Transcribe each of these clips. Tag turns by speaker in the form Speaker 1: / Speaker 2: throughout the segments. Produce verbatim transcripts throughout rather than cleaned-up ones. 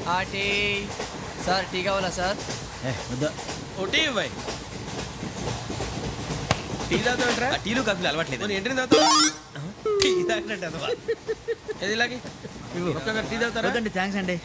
Speaker 1: ఆ tea sir tea కావాలా sir?
Speaker 2: ఓ టీ ఇవ్వాయి. టీ తాగుతాంట్రా?
Speaker 3: టీలు కాఫీలు అలవాట్లేదు.
Speaker 2: ఎంట్రీ తాగుతావు? టీ తాగినట్టు అదవా. ఏది ఇలాగే ఒక్కగారు టీ తాగుతారా?
Speaker 4: థ్యాంక్స్ అండి.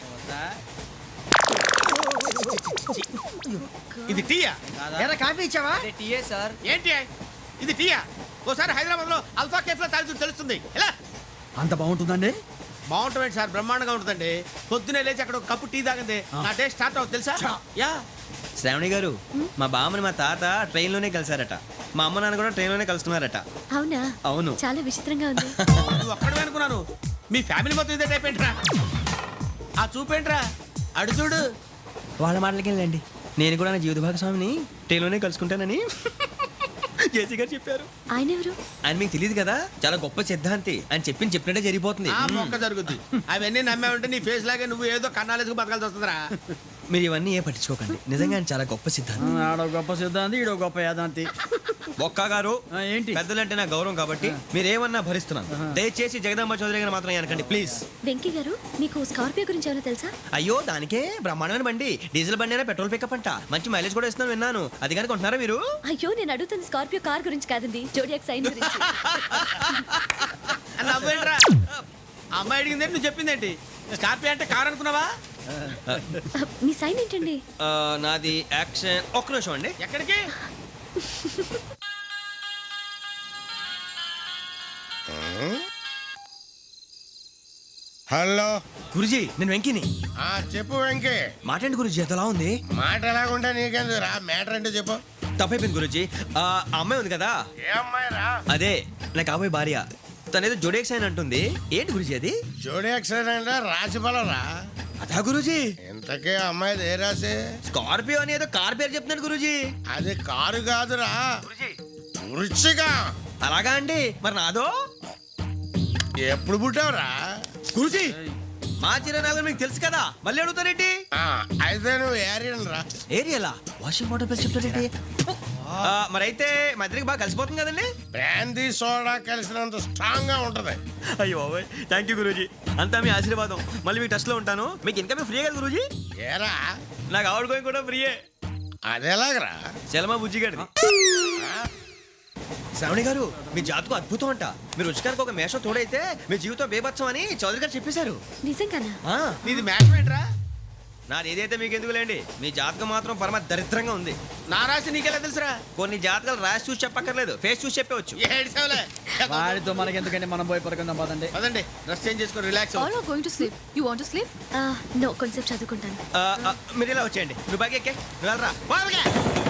Speaker 2: ఇది టీయా?
Speaker 4: ఎరా కాఫీ ఇచ్చావా?
Speaker 1: అదే టీయే సార్.
Speaker 2: ఏంటి ఇది టీయా? ఓసారి హైదరాబాద్ లో అల్ఫా కేఫ్ లో తాగుతూ తెలుస్తుంది. ఎలా
Speaker 4: అంత బాగుంటుందండి?
Speaker 2: బాగుంటుంది సార్, బ్రహ్మాండంగా ఉంటుందండి. పొద్దునే లేచి అక్కడ ఒక కప్పు టీ తాగింది నా డే స్టార్ట్ అవుతుంది తెలుసా? యా.
Speaker 3: శ్రావణి గారు, మా బామ్మని మా తాత ట్రైన్ లోనే కలిసారట. మా అమ్మ నాన్న కూడా ట్రైన్ లోనే కలుస్తున్నారట.
Speaker 5: అవునా?
Speaker 3: అవును.
Speaker 5: చాలా విచిత్రంగా ఉంది.
Speaker 2: నువ్వు ఒక్కడే అనుకున్నాను, మీ ఫ్యామిలీ మొత్తం ఇదే టైప్ ఏంట్రా? ఆ చూపేంట్రా అడు చూడు.
Speaker 3: వాళ్ళ మాటలకి వెళ్ళండి. నేను కూడా నా జీవిత భాగస్వామిని ట్రైన్ లోనే కలుసుకుంటానని జేసీ గారు చెప్పారు.
Speaker 5: ఆయన ఎవరు?
Speaker 3: ఆయన మీకు తెలియదు కదా, చాలా గొప్ప సిద్ధాంతి అని చెప్పింది చెప్పినట్టే జరిగిపోతుంది.
Speaker 2: ఆ మొక్క జరుగుద్ది. అవన్నీ నమ్మే ఉంటే నీ ఫేస్ లాగే నువ్వు ఏదో కన్నాలేసుకు బతకాల్సి వస్తుందిరా.
Speaker 3: మీరు ఇవన్నీ ఏ పట్టించుకోకండి. నిజంగా ఆయన చాలా గొప్ప సిద్ధాంతి.
Speaker 4: ఆడో గొప్ప సిద్ధాంతి, ఈడో గొప్ప యాదాంతి.
Speaker 3: ఒక్క గారు
Speaker 4: ఏంటి?
Speaker 3: పెద్దలంటే నా గౌరవం కాబట్టి మీరు ఏమన్నా భరిస్తున్నాను. దయచేసి జగదాంబ చౌదరి గారు మాత్రం అనకండి ప్లీజ్.
Speaker 5: వెంకీ గారు, మీకు స్కార్పియో గురించి ఏమైనా తెలుసా?
Speaker 3: అయ్యో, దానికే బ్రహ్మాండమైన బండి. డీజిల్ బండి అయినా పెట్రోల్ పికప్ అంట. మంచి మైలేజ్ కూడా ఇస్తున్నాను విన్నాను. అది కానీ కొంటున్నారా మీరు?
Speaker 5: అయ్యో, నేను అడుగుతుంది స్కార్పియో కార్ గురించి కాదండి, జోడియాక్ సైన్ గురించి.
Speaker 2: నవ్వేంట్రా? అమ్మాయి అడిగింది నువ్వు చెప్పిందేంటి? స్కార్పియో అంటే కార్ అనుకున్నావా?
Speaker 5: మీ సైన్ ఏంటండి?
Speaker 3: ఆ, నాది యాక్షన్. ఒక్క నిమిషం అండి.
Speaker 2: ఎక్కడికి?
Speaker 6: హలో
Speaker 3: గురుజీ, నేను వెంకిని.
Speaker 6: ఆ చెప్పు వెంకీ.
Speaker 3: మాటండి గురుజీ, ఎంతలా ఉంది?
Speaker 6: మాట ఎలాగుంటా నీకెందుకు రా, మ్యాటర్ అంటే చెప్పు.
Speaker 3: తప్పైపోయింది గురుజీ. ఆ అమ్మాయి ఉంది కదా,
Speaker 6: ఏ అమ్మాయి రా?
Speaker 3: అదే నా కాబోయే భార్య. తనేదో జోడేక్స్ అని అంటుంది. ఏంటి గురుజీ అది?
Speaker 6: జోడి యాక్సిడెంట్ రాసి రా.
Speaker 3: అదా గురుజీ?
Speaker 6: ఇంతకే అమ్మాయి ఏ రాసి?
Speaker 3: స్కార్పియో అని ఏదో కార్ పేరు చెప్తున్నాడు గురుజీ.
Speaker 6: అది కారు కాదురా, వృచ్చిగా.
Speaker 3: అలాగా అండి, మరి నాదో?
Speaker 6: ఎప్పుడు పుట్టావురా?
Speaker 3: గురుజీ, మా చిరనాలు మీకు తెలుసు కదా, మళ్ళీ అడుగుతారేంటి?
Speaker 6: ఆ, అయితే నువ్వు ఏరియన్ రా.
Speaker 3: ఏరియలా? వాషింగ్ వాటర్ ప్లస్ చెప్తారేంటి? మరి అయితే మా ఇద్దరికి బాగా కలిసిపోతుంది కదండి.
Speaker 6: బ్రాందీ సోడా కలిసినంత స్ట్రాంగ్ గా ఉంటది.
Speaker 3: అయ్యో థ్యాంక్ యూ గురూజీ, అంతా మీ ఆశీర్వాదం. మళ్ళీ మీకు టచ్ లో ఉంటాను. మీకు ఇన్కమ్ ఫ్రీ కదా గురూజీ?
Speaker 6: ఏరా,
Speaker 3: నాకు ఆవిడ గోయింగ్ కూడా ఫ్రీయే.
Speaker 6: అదేలాగరా?
Speaker 3: చలమా బుజ్జి గారిది. శ్రావణి గారు, మీ జాతకు అద్భుతం అంట. మీరు రుచికారికి ఒక మేషం తోడైతే మీ జీవితం బేబత్సం అని చౌదరి గారు చెప్పేశారు.
Speaker 5: నిజంగానా?
Speaker 3: ఆ,
Speaker 2: నీది మ్యాచ్ ఏంట్రా?
Speaker 3: నాది ఏదైతే మీకు ఎందుకులేండి, మీ జాతకం మాత్రం పరమ దరిద్రంగా ఉంది.
Speaker 2: నా రాసి నీకెలా తెలుసురా?
Speaker 3: కొన్ని జాతకాలు రాసి చూసి చెప్పక్కర్లేదు, ఫేస్ చూసి చెప్పవచ్చు.
Speaker 2: ఏడ్చావులే.
Speaker 4: వాడితో మనకి ఎందుకంటే మనం పోయి పడుకుందాం పదండి.
Speaker 2: పదండి, డ్రెస్ చేంజ్ చేసుకొని relax.
Speaker 7: All are going to sleep. You want to sleep?
Speaker 5: No, కొంచెం చదువుకుంటాను.
Speaker 3: మీరు ఇలా వచ్చేయండి. నువ్వు బాగా ఎక్కే, నువ్వు వెళ్ళరా.